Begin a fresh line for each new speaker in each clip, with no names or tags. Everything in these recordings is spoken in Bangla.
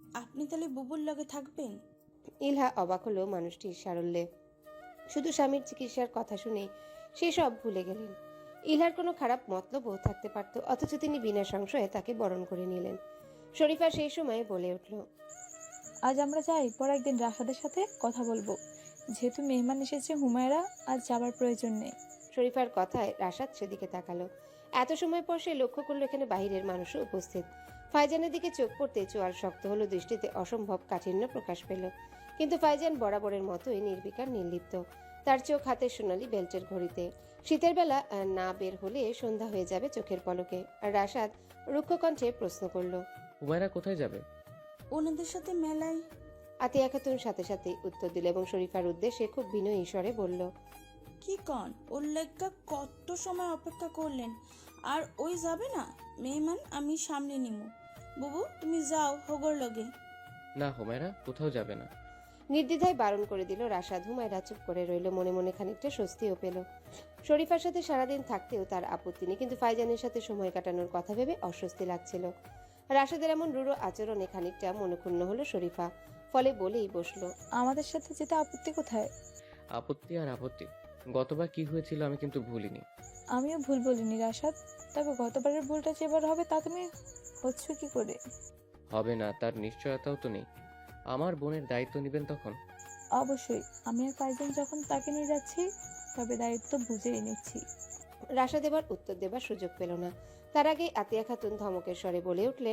আপনি তাহলে বুবুর লগে থাকবেন?
ইলহা অবাক হলো মানুষটির সারল্যে। শুধু স্বামীর চিকিৎসার কথা শুনে সে সব ভুলে গেলেন। ইলহার কোনো খারাপ মতলবও থাকতে পারত, অথচ তিনি বিনা সংশয়ে তাকে বরণ করে নিলেন। শরীফা সেই সময় বলে উঠল,
আজ আমরা যাই, পর একদিন রাফাদের সাথে কথা বলবো। যেহেতু মেহমান এসেছে হুমায়রা, আজ যাবার প্রয়োজন নেই।
শরীফার কথায় রাশাদ সেদিকে তাকালো। এত সময় পর সে লক্ষ্য করলো এখানে বাহিরের মানুষও উপস্থিত। ফাইজানের দিকে চোখ পড়তে চোয়াল শক্ত হলো, দৃষ্টিতে অসম্ভব কাঠিন্য প্রকাশ পেল। কিন্তু ফাইজান বরাবরের মতোই নির্বিকার, নির্লিপ্ত। তার চোখ হাতের সোনালি বেল্টের ঘড়িতে। শীতের বেলা না বের হলে সন্ধ্যা হয়ে যাবে চোখের পলকে। আর রাশাদ রুক্ষ কণ্ঠে প্রশ্ন করল,
হুমায়রা কোথায় যাবে?
ওনাদের সাথে মেলায়।
আতিয়া খাতুন সাথে সাথে উত্তর দিল এবং শরীফার উদ্দেশ্যে খুব বিনয়ী স্বরে বলল,
কি কন, ওর লেগা কত সময় অপেক্ষা করলেন, আর ওই যাবে না? মেহমান আমি সামনে নিমু। বুবু তুমি যাও হগর লগে।
না, হুমায়রা কোথাও যাবে না।
নির্দ্বিধায় বারণ করে দিল রাশাদ। হুমায়রা চুপ করে রইল, মনে মনে খানিকটা স্বস্তিও পেল। শরীফার সাথে সারাদিন থাকতেও তার আপত্তি নেই, কিন্তু ফাইজানের সাথে সময় কাটানোর কথা ভেবে অস্বস্তি লাগছিল। রাশাদের এমন রূঢ় আচরণে খানিকটা মনক্ষুণ্ণ হলো শরীফা, ফলে বলেই বসলো,
আমাদের সাথে যেতে আপত্তি কোথায়?
আপত্তি আর আপত্তি। গতবার কি হয়েছিল আমি কিন্তু ভুলিনি।
আমিও ভুল বলিনি রাশাদ, তবে গতবারের ভুলটা যে এবার হবে তা তুমি হচ্ছ কি করে?
হবে না তার নিশ্চয়তাও তো নেই। আমার বোনের দায়িত্ব নেবেন তখন।
অবশ্যই, আমি আর ফাইজান যখন তাকে নিয়ে যাচ্ছি, তবে দায়িত্ব বুঝেই নিচ্ছি।
রাশাদ এবার উত্তর দেবার সুযোগ পেল না। তার আগে আতিয়া খাতুন ধমকের স্বরে বলে উঠলেন,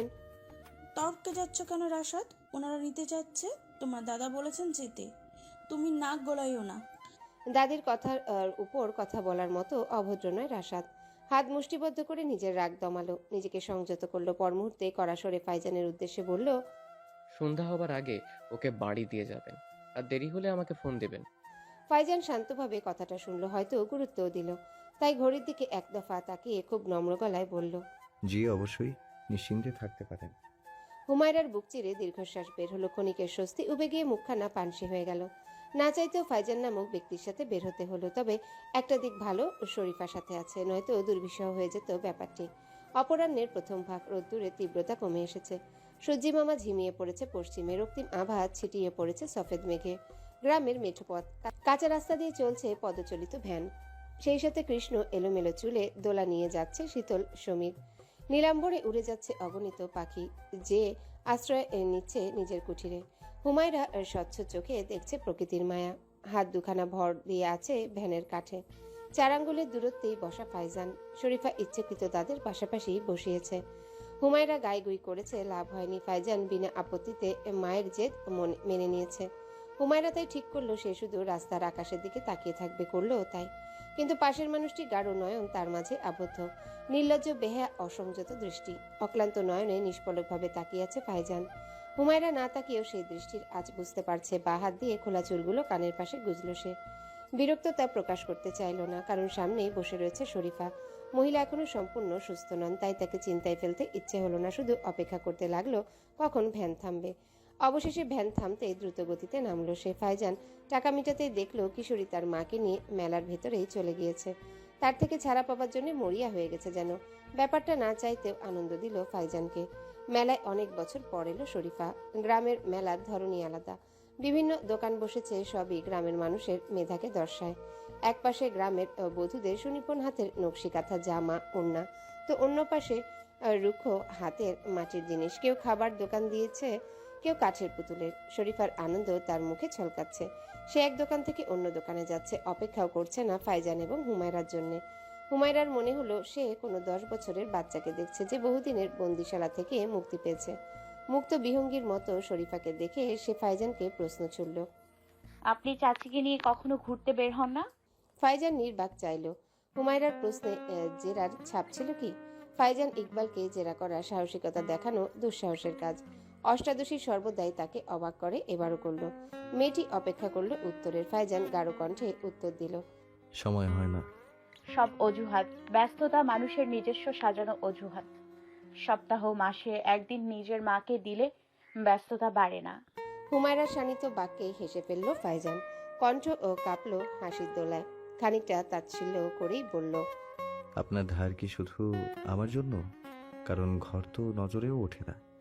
তর্কে যাচ্ছ কেন রাশাদ? ওনারা নিতে যাচ্ছে, তোমার দাদা বলেছেন যেতে। তুমি নাক গলাইও না।
দাদির কথার উপর কথা বলার মতো অভদ্র নয় রাশাদ। হাত মুষ্টিবদ্ধ করে নিজের রাগ দমালো, নিজেকে সংযত করলো। পর মুহূর্তে কড়া স্বরে ফাইজানের উদ্দেশ্যে বলল,
সন্ধ্যা হবার আগে ওকে বাড়ি দিয়ে যাবেন, আর দেরি হলে আমাকে ফোন দেবেন।
ফাইজান শান্তভাবে কথাটা শুনলো, হয়তো গুরুত্বও দিল। তাই ঘড়ির দিকে এক দফা তাকিয়ে খুব নম্র গলায় বলল,
জি অবশ্যই, নিশ্চিন্তে থাকতে পারেন।
হুমায়রার বুক চিরে দীর্ঘশ্বাস বের হলো, ক্ষণিকের স্বস্তি উবে গিয়ে মুখখানা পানসি হয়ে গেল। না চাইতেও ফাইজান নামক ব্যক্তির সাথে বের হতে হলো। তবে একটা দিক ভালো, শরীফার সাথে আছে, নয়তো দুর্বিষহ হয়ে যেত ব্যাপারটি। অপরাহ্নের প্রথম ভাগ, রোদ্দুরের তীব্রতা কমে এসেছে। সূর্যি মামা ঝিমিয়ে পড়েছে পশ্চিমে, রক্তিম আভা ছিটিয়ে পড়েছে সফেদ মেঘে। গ্রামের মেঠো পথ, কাঁচা রাস্তা দিয়ে চলছে পদচালিত ভ্যান। সেই সাথে কৃষ্ণ এলোমেলো চুলে দোলা নিয়ে যাচ্ছে শীতল সমীর। নীলাম্বরে উড়ে যাচ্ছে অগণিত পাখি, যে আশ্রয় নিচ্ছে নিজের কুঠিরে। হুমায়রা স্বচ্ছ চোখে দেখছে প্রকৃতির মায়া। হাত দুখানা ভর দিয়ে আছে ভ্যানের কাঠে। 4 আঙ্গুলের দূরত্বেই বসা ফাইজান। শরীফা ইচ্ছাকৃত তাদের পাশাপাশি বসিয়েছে। হুমায়রা গাইগুই করেছে, লাভ হয়নি। ফাইজান বিনা আপত্তিতে মায়ের জেদ মেনে নিয়েছে। হুমায়রা তাই ঠিক করলো সে শুধু রাস্তার আকাশের দিকে তাকিয়ে থাকবে, করলো তাই। কিন্তু পাশের মানুষটি গাঢ় নয়ন তার মাঝে আবদ্ধ, নির্লজ্জ বেহা অসংযত দৃষ্টি। অক্লান্ত নয়নে নিষ্পলকভাবে তাকিয়ে আছে ফাইজান। হুমায়রা না তাকিয়েও সেই দৃষ্টির আজ বুঝতে পারছে। বা হাত দিয়ে খোলা চুলগুলো কানের পাশে গুজল সে। বিরক্ততা প্রকাশ করতে চাইল না, কারণ সামনেই বসে রয়েছে শরীফা। মহিলা এখনো সম্পূর্ণ সুস্থ নন, তাই তাকে চিন্তায় ফেলতে ইচ্ছে হলো না। শুধু অপেক্ষা করতে লাগলো কখন ভ্যান থামবে। অবশেষে ভ্যান থামতেই দ্রুত গতিতে নামলো সে। ফাইজান টাকা মিটাতেই দেখলো কিশোরী তার মাকে নিয়ে মেলার ভেতরেই চলে গিয়েছে। তার থেকে ছাড়া পাবার জন্য মরিয়া হয়ে গেছে যেন। ব্যাপারটা না চাইতেও আনন্দ দিল ফাইজানকে। মেলায় অনেক বছর পর এলো শরীফা। গ্রামের মেলার ধরনই আলাদা। বিভিন্ন দোকান বসেছে, সবই গ্রামের মানুষের মেধাকে দর্শায়। একপাশে গ্রামের বধূদের সুনিপুণ হাতের নকশি কাঁথা জামা ওড়না, তো অন্য পাশে রুক্ষ হাতের মাটির জিনিস। কেউ খাবার দোকান দিয়েছে, কেউ কাঠের পুতুলের। শরীফার আনন্দ তার মুখে ছলকাচ্ছে। সে এক দোকান থেকে অন্য দোকানে যাচ্ছে, অপেক্ষাও করছে না ফাইজান এবং হুমায়রার জন্য। হুমায়রার মনে হলো সে কোনো 10 বছরের বাচ্চাকে দেখছে, যে বহুদিনের বন্দিশালা থেকে মুক্তি পেয়েছে। মুক্ত বিহঙ্গীর মতো শরীফাকে দেখে সে ফাইজানকে প্রশ্ন ছুড়ল,
আপনি চাচিকে নিয়ে কখনো ঘুরতে বের হন না?
ফাইজান নির্বাক চাইল। হুমায়রার প্রশ্নে জেরার ছাপ ছিল কি? ফাইজান ইকবালকে জেরা করার সাহসিকতা দেখানো দুঃসাহসের কাজ। অষ্টাদশী সর্বদাই তাকে অবাক করে, এবারও করল। মেয়েটি অপেক্ষা করল উত্তরের। ফাইজান গাঢ় কণ্ঠে উত্তর দিল,
সময় হয় না।
সব অজুহাত, ব্যস্ততা মানুষের নিজস্ব সাজানো অজুহাত। সপ্তাহ মাসে একদিন নিজের মাকে দিলে ব্যস্ততা বাড়ে না।
হুমায়রার শানিত বাক্যে হেসে ফেলল ফাইজান। কণ্ঠ ও কাঁপল হাসির দোলায়। খানিকটা তাচ্ছিল্য করেই বলল,
আপনার ধার কি শুধু আমার জন্য? কারণ ঘর তো নজরেও ওঠে না।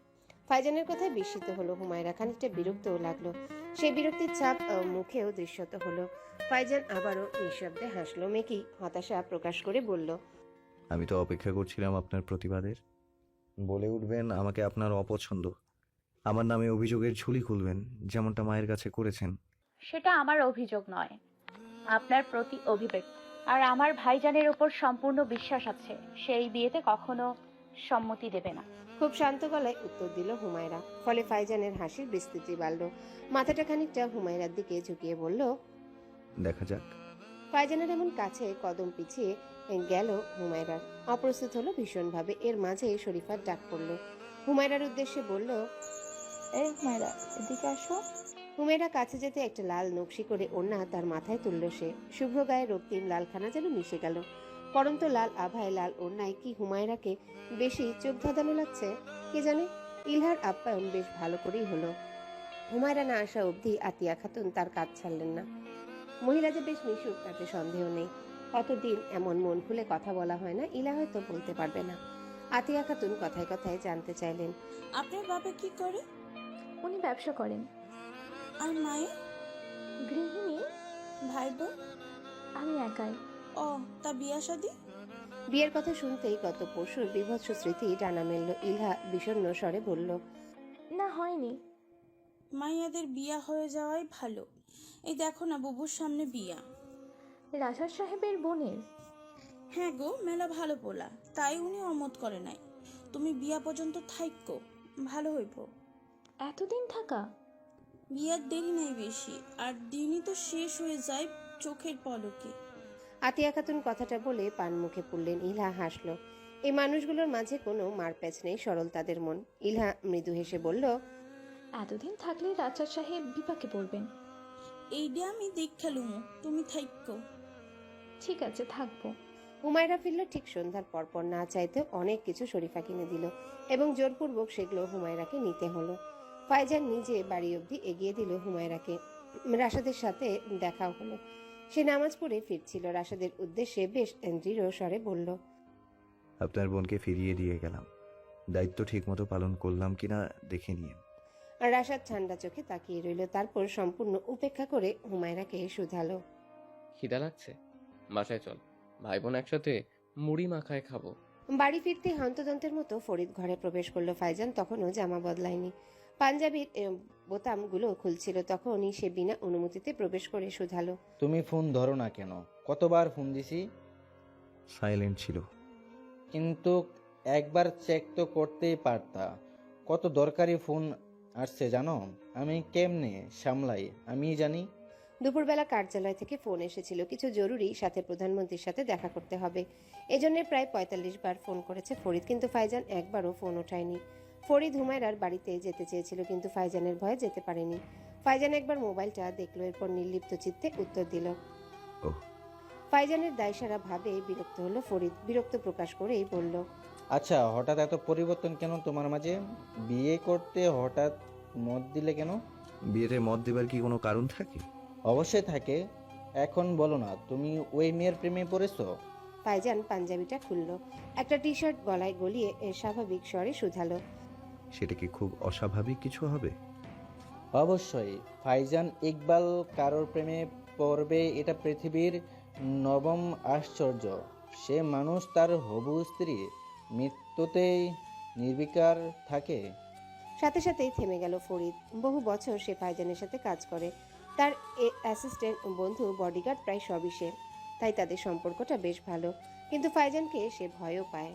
ফাইজানের কথায় বিস্মিত হলো হুমায়রা, খানিকটা বিরক্তও লাগলো। সেই বিরক্তির ছাপ মুখেও দৃশ্যত হলো। ফাইজান আবারও নিঃশব্দে হাসলো। মেকি হতাশা প্রকাশ করে বলল,
আমি তো অপেক্ষা করছিলাম আপনার প্রতিবাদের। বলে উঠবেন আমাকে আপনার অপছন্দ, আমার নামে অভিযোগের ঝুলি খুলবেন, যেমনটা মায়ের কাছে করেছেন।
সেটা আমার অভিযোগ নয়, আপনার প্রতি অভিব্যক্তি। আর আমার ভাইজানের ওপর সম্পূর্ণ বিশ্বাস আছে, সেই বিয়েতে কখনো সম্মতি দেবে না।
খুব শান্ত গলায় উত্তর দিল হুমায়রা। ফলে ফাইজানের হাসির বিস্তৃতি বাড়ল। মাথাটা খানিকটা হুমায়রার দিকে ঝুঁকিয়ে বলল,
দেখা যাক।
ফাইজানের এমন কাছে কদম পিছিয়ে গেল হুমায়রার। অপ্রস্তুত হলো ভীষণভাবে। এর মাঝে শরীফার ডাক পড়ল। হুমায়রার উদ্দেশ্যে বলল,
এই হুমায়রা, এদিকে আসো।
হুমায়রা কাছে যেতে একটা লাল নকশি করে ওড়না তার মাথায় তুলল সে। শুভ্র গায়ে রক্তিম লালখানা যেন মিশে গেল। পরন্ত লাল আভায় লাল ওড়নায় কি হুমায়রাকে বেশি চোখ ধাঁধানো লাগছে কে জানে। ইলহার আপ্যায়ন বেশ ভালো করেই হলো। হুমায়রা না আসা অবধি আতিয়া খাতুন তার কাজ ছাড়লেন না। মহিলা যে বেশ মিশুক তাতে সন্দেহ নেই। কতদিন এমন মন খুলে কথা বলা হয় না, ইলা হয়তো বলতে পারবে না। আতিয়া খাতুন কথায় কথায় জানতে চাইলেন,
আপনার বাবা কি করে?
উনি ব্যবসা করেন।
আর মায়ের?
গৃহিণী।
ভাই বোন?
আমি একাই।
ও, তা বিয়া শাদী?
বিয়ের কথা শুনতেই গত পরশুর বিভৎস স্মৃতি ডানা মেলল। ইলহা বিষণ্ণ স্বরে বলল,
না, হয়নি।
মাইয়াদের বিয়া হয়ে যাওয়াই ভালো। এই দেখো না, বুবুর সামনে বিয়া।
রাজা সাহেবের বোনের।
হ্যাঁ গো, মেলা ভালো পোলা, তাই উনি অমত করে নাই। তুমি বিয়া পর্যন্ত থাইক্য, ভালো হইব।
এতদিন থাকা?
বিয়ার দেরি নাই বেশি, আর দিনই তো শেষ হয়ে যায় চোখের পলকে।
আতিয়া খাতুন কথাটা বলে পান মুখে পুরলেন। ইলহা হাসল। এই মানুষগুলোর মাঝে কোনো মারপ্যাচ নেই, সরল তাদের মন। ইলহা মৃদু হেসে বলল,
এতদিন থাকলে রাজা সাহেব বিপাকে পড়বেন।
এইটা আমি দেখা লুমু, তুমি থাইক্য।
ঠিক আছে, থাকবো।
হুমায়রা ফিরল ঠিক সন্ধ্যার পরপর। না চাইতে অনেক কিছু শরীফা কিনে দিল এবং জোরপূর্বক সেগুলো হুমায়রাকে নিতে হলো। ফাইজান নিজে বাড়ি অবধি এগিয়ে দিল হুমায়রাকে। রাশাদের সাথে দেখাও হলো। সে নামাজ পড়ে ফিরছিল। রাশাদের উদ্দেশ্যে বেশ দৃঢ় স্বরে বলল,
আপনার বোনকে ফিরিয়ে দিয়ে গেলাম, দায়িত্ব ঠিকমতো পালন করলাম কিনা দেখে নিন।
আর রাশাদ ঠান্ডা চোখে তাকিয়ে রইল। তারপর সম্পূর্ণ উপেক্ষা করে হুমায়রাকে শুধালো,
খিদা লাগছে? বাসায় চল, ভাই বোন একসাথে মুড়ি মাখায় খাবো।
বাড়ি ফিরতে হন্তদন্তের মতো ফরিদ ঘরে প্রবেশ করলো। ফাইজান তখনও জামা বদলায়নি। পাঞ্জাবির বোতামগুলো খুলছিল। তখনই সে বিনা অনুমতিতে প্রবেশ করে শুধালো,
তুমি ফোন ধরো না কেন? কতবার ফোন দিছি?
সাইলেন্ট ছিল।
কিন্তু একবার চেক তো করতেই পারতা। কত দরকারি ফোন আসছে জানো? আমি কেমনে সামলাই আমি জানি।
দুপুরবেলা কার্যালয় থেকে ফোন এসেছিল, কিছু জরুরি, সাথে প্রধানমন্ত্রীর সাথে দেখা করতে হবে। এজন্য প্রায় ৪৫ বার ফোন করেছে ফরিদ, কিন্তু ফাইজান একবারও ফোন ওঠায়নি। ফরিদ হুমায়রার বাড়িতে যেতে চেয়েছিল, কিন্তু ফাইজানের ভয়ে যেতে পারেনি। ফাইজান একবার মোবাইলটা দেখলো, এরপর নির্লিপ্ত চিত্তে উত্তর দিল।
ওহ।
ফাইজানের দায়সারা ভাবে বিরক্ত হলো ফরিদ। বিরক্ত প্রকাশ করেই বলল,
আচ্ছা, হঠাৎ এত পরিবর্তন কেন তোমার মাঝে? বিয়ে করতে হঠাৎ মত দিলে কেন?
বিয়েতে মত দেবার কি কোনো কারণ থাকে?
অবশ্যই থাকে। এখন বলো না, তুমি ওই মেয়ের প্রেমে পড়েছো?
ফাইজান পাঞ্জাবিটা খুলল, একটা টি শার্ট গলায় গলিয়ে স্বাভাবিক স্বরে শুধালো,
সেটা কি খুব অস্বাভাবিক কিছু হবে?
অবশ্যই। ফাইজান ইকবাল কারোর প্রেমে পড়বে এটা পৃথিবীর নবম আশ্চর্য। সে মানুষ তার হবু স্ত্রী মৃত্যুতেই নির্বিকার থাকে।
সাথে সাথেই থেমে গেল ফরিদ। বহু বছর সে ফাইজানের সাথে কাজ করে। তার অ্যাসিস্ট্যান্ট, বন্ধু, বডিগার্ড, প্রায় সবই সে। তাই তাদের সম্পর্কটা বেশ ভালো, কিন্তু ফাইজানকে সে ভয়ও পায়।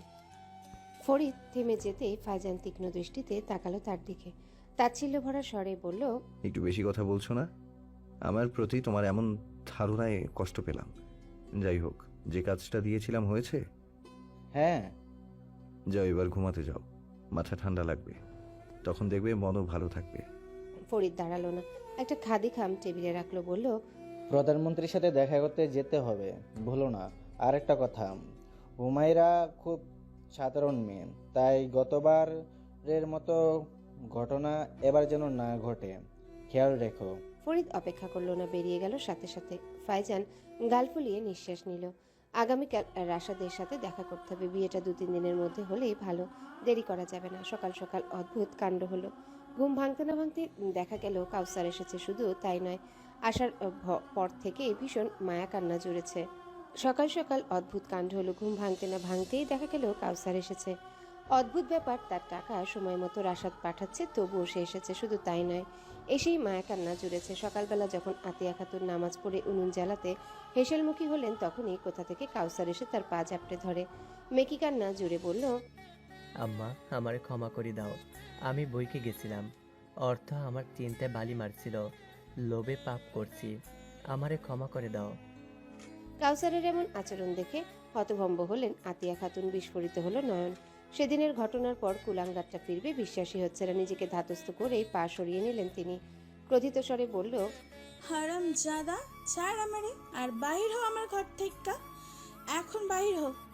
ফরিদ থেমে যেতেই ফাইজান তীক্ষ্ণ দৃষ্টিতে তাকালো তার দিকে। তাচ্ছিল্য ভরা স্বরে বলল,
একটু বেশি কথা বলছো না? আমার প্রতি তোমার এমন ধারণায় কষ্ট পেলাম। যাই হোক, যে কাজটা দিয়েছিলাম হয়েছে।
হ্যাঁ।
যাও, এবার ঘুমাতে যাও, মাথা ঠান্ডা লাগবে, তখন দেখবে মনও ভালো থাকবে।
ফরিদ দাঁড়ালো না, একটা খাদি খাম টেবিলে রাখলো, বলল,
প্রধানমন্ত্রীর সাথে দেখা করতে যেতে হবে, ভুলো না। আর একটা কথা, হুমায়রা খুব সাধারণ মেয়ে, তাই গতবারের মতো ঘটনা এবার যেন না ঘটে, খেয়াল রেখো।
ফরিদ অপেক্ষা করলো না, বেরিয়ে গেল সাথে সাথে। ফাইজান গাল ফুলিয়ে নিঃশ্বাস নিল। আগামীকাল রাশাদের সাথে দেখা করতে হবে। বিয়েটা 2-3 দিনের মধ্যে হলেই ভালো, দেরি করা যাবে না। সকাল সকাল অদ্ভুত কাণ্ড হলো। ঘুম ভাঙতে না ভাঙতে দেখা গেল কাউসার এসেছে। শুধু তাই নয়, আসার পর থেকে ভীষণ মায়া কান্না জুড়েছে। সকাল সকাল অদ্ভুত কাণ্ড হলো। ঘুম ভাঙতে না ভাঙতেই দেখা গেল কাউসার এসেছে। অদ্ভুত ব্যাপার, তার টাকা সময় মতো রাশাদ পাঠাচ্ছে, তবুও সে এসেছে। শুধু তাই নয়, এসেই মায়া কান্না জুড়েছে। সকালবেলা যখন আতিয়া খাতুন নামাজ পড়ে উনুন জ্বালাতে হেসেলমুখী হলেন, তখনই কোথা থেকে কাউসার এসে তার পা ঝাপটে ধরে। মেকি কান্না জুড়ে বলল,
আম্মা, আমারে ক্ষমা করে দাও। আমি বইকে গেছিলাম, অর্থ আমার চিন্তায় বালি মারছিল, লোভে পাপ করছি, আমারে ক্ষমা করে দাও।
কাউসারের এমন আচরণ দেখে হতভম্ব হলেন আতিয়া খাতুন। বিস্ফোরিত হলো নয়ন। সেদিনের ঘটনার পর কুলাঙ্গারটা ফিরবে বিশ্বাসই হচ্ছে না। নিজেকে ধাতস্থ করেই পা সরিয়ে নিলেন তিনি। ক্রোধিত স্বরে বলল,
হারাম জাদা, ছাড় আমারে আর বাহির হো আমার ঘর থেকে, এখন বাহির হো।